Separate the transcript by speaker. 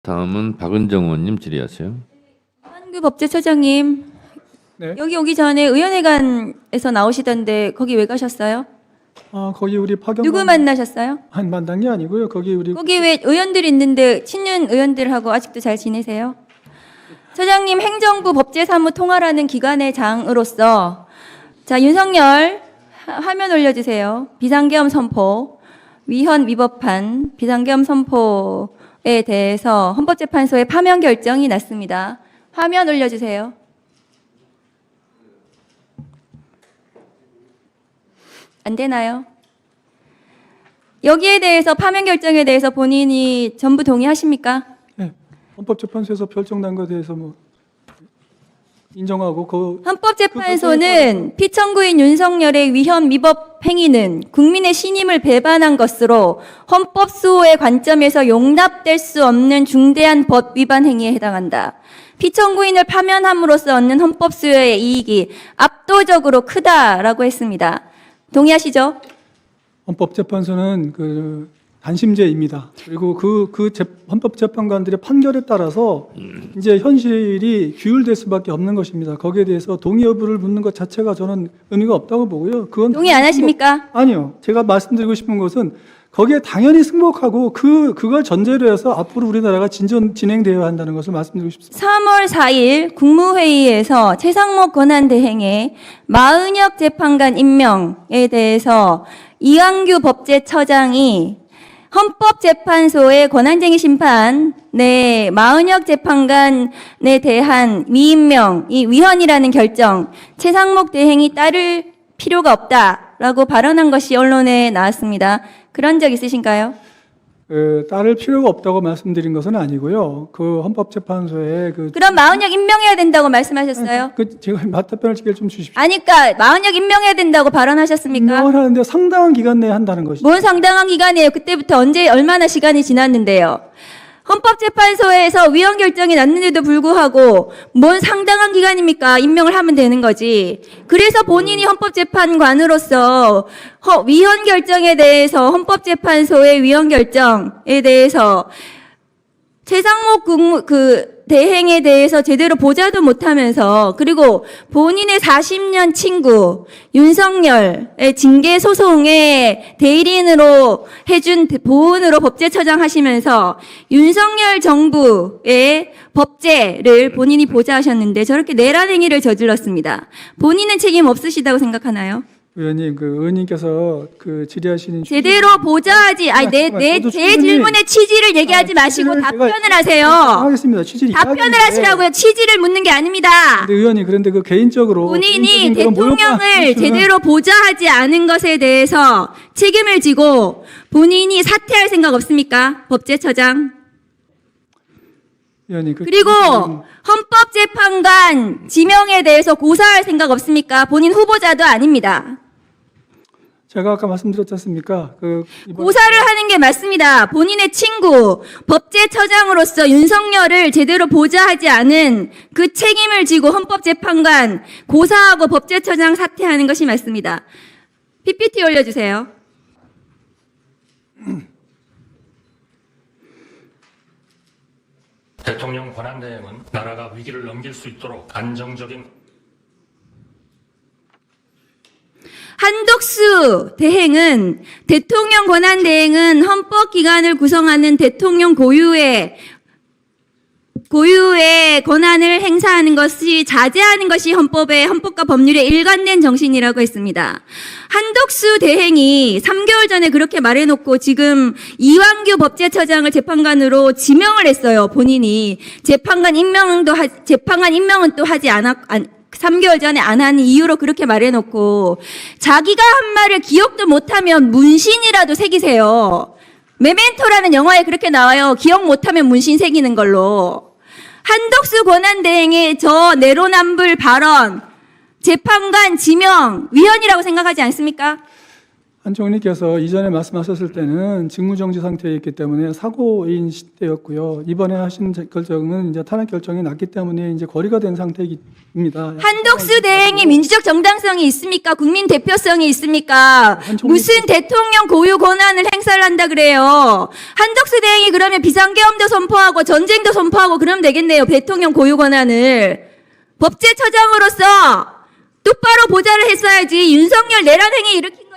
Speaker 1: 다음은 박은정 의원님 질의하세요.
Speaker 2: 한규 법제처장님,
Speaker 3: 네.
Speaker 2: 여기 오기 전에 의원회관에서 나오시던데 거기 왜 가셨어요?
Speaker 3: 거기 우리 파견
Speaker 2: 누구 만나셨어요?
Speaker 3: 한 만난 게 아니고요. 거기 우리
Speaker 2: 거기 왜 의원들이 있는데 친윤 의원들하고 아직도 잘 지내세요? 처장님, 행정부 법제사무 통화라는 기관의 장으로서 자, 윤석열 화면 올려주세요. 비상계엄 선포, 위헌 위법한 비상계엄 선포에 대해서 헌법재판소의 파면 결정이 났습니다. 화면 올려주세요. 안 되나요? 여기에 대해서 파면 결정에 대해서 본인이 전부 동의하십니까?
Speaker 3: 네, 헌법재판소에서 결정난 것에 대해서 뭐 인정하고
Speaker 2: 헌법재판소는 피청구인 윤석열의 위헌 위법 행위는 국민의 신임을 배반한 것으로 헌법 수호의 관점에서 용납될 수 없는 중대한 법 위반 행위에 해당한다. 피청구인을 파면함으로써 얻는 헌법 수호의 이익이 압도적으로 크다라고 했습니다. 동의하시죠?
Speaker 3: 헌법재판소는 그 단심제입니다. 그리고 헌법재판관들의 판결에 따라서 이제 현실이 규율될 수밖에 없는 것입니다. 거기에 대해서 동의 여부를 묻는 것 자체가 저는 의미가 없다고 보고요. 그건
Speaker 2: 동의 안 하십니까?
Speaker 3: 아니요. 제가 말씀드리고 싶은 것은 거기에 당연히 승복하고 그걸 전제로 해서 앞으로 우리나라가 진행되어야 한다는 것을 말씀드리고 싶습니다.
Speaker 2: 3월 4일 국무회의에서 최상목 권한대행의 마은혁 재판관 임명에 대해서 이완규 법제처장이 헌법재판소의 권한쟁의 심판에 마은혁 재판관에 대한 미임명, 이 위헌이라는 결정, 최상목 대행이 따를 필요가 없다라고 발언한 것이 언론에 나왔습니다. 그런 적 있으신가요?
Speaker 3: 따를 필요가 없다고 말씀드린 것은 아니고요. 그 헌법재판소에
Speaker 2: 그럼 마은혁 임명해야 된다고 말씀하셨어요?
Speaker 3: 제가 맞답변을 좀 주십시오.
Speaker 2: 아니까 마은혁 임명해야 된다고 발언하셨습니까?
Speaker 3: 임명을 하는데 상당한 기간 내에 한다는 것이죠.
Speaker 2: 뭔 상당한 기간이에요? 그때부터 언제 얼마나 시간이 지났는데요? 헌법재판소에서 위헌 결정이 났는데도 불구하고 뭔 상당한 기간입니까? 임명을 하면 되는 거지. 그래서 본인이 헌법재판관으로서 위헌 결정에 대해서 헌법재판소의 위헌 결정에 대해서 최상목 대행에 대해서 제대로 보자도 못하면서 그리고 본인의 40년 친구 윤석열의 징계 소송의 대리인으로 해준 보훈으로 법제처장 하시면서 윤석열 정부의 법제를 본인이 보좌하셨는데 저렇게 내란 행위를 저질렀습니다. 본인은 책임 없으시다고 생각하나요?
Speaker 3: 의원님, 의원님께서 질의하시는
Speaker 2: 제대로 보좌하지, 제 질문의 취지를 얘기하지 마시고 답변을 하세요.
Speaker 3: 하겠습니다. 취지를
Speaker 2: 답변을 하시라고요. 취지를 묻는 게 아닙니다.
Speaker 3: 근데 의원님, 그런데 개인적으로
Speaker 2: 본인이 대통령을 제대로 보좌하지 않은 것에 대해서 책임을 지고 본인이 사퇴할 생각 없습니까? 법제처장.
Speaker 3: 의원님,
Speaker 2: 그리고 헌법재판관 지명에 대해서 고사할 생각 없습니까? 본인 후보자도 아닙니다.
Speaker 3: 제가 아까 말씀드렸지 않습니까?
Speaker 2: 고사를 하는 게 맞습니다. 본인의 친구, 법제처장으로서 윤석열을 제대로 보좌하지 않은 그 책임을 지고 헌법재판관 고사하고 법제처장 사퇴하는 것이 맞습니다. PPT 올려주세요.
Speaker 4: 대통령 권한대행은 나라가 위기를 넘길 수 있도록 안정적인
Speaker 2: 한덕수 대행은 대통령 권한대행은 헌법기관을 구성하는 대통령 고유의 권한을 행사하는 것이 자제하는 것이 헌법과 법률의 일관된 정신이라고 했습니다. 한덕수 대행이 3개월 전에 그렇게 말해놓고 지금 이완규 법제처장을 재판관으로 지명을 했어요. 본인이 재판관 임명은 또 하지 않았. 3개월 전에 안 하는 이유로 그렇게 말해놓고 자기가 한 말을 기억도 못하면 문신이라도 새기세요. 메멘토라는 영화에 그렇게 나와요. 기억 못하면 문신 새기는 걸로. 한덕수 권한대행의 저 내로남불 발언 재판관 지명 위헌이라고 생각하지 않습니까?
Speaker 3: 한 총리께서 이전에 말씀하셨을 때는 직무정지 상태에 있기 때문에 사고인 시대였고요. 이번에 하신 결정은 이제 탄핵 결정이 났기 때문에 이제 거리가 된 상태입니다.
Speaker 2: 한덕수 대행이 민주적 정당성이 있습니까? 국민 대표성이 있습니까? 무슨 대통령 고유 권한을 행사를 한다 그래요? 한덕수 대행이 그러면 비상계엄도 선포하고 전쟁도 선포하고 그러면 되겠네요. 대통령 고유 권한을. 법제처장으로서 똑바로 보좌를 했어야지 윤석열 내란 행위 일으킨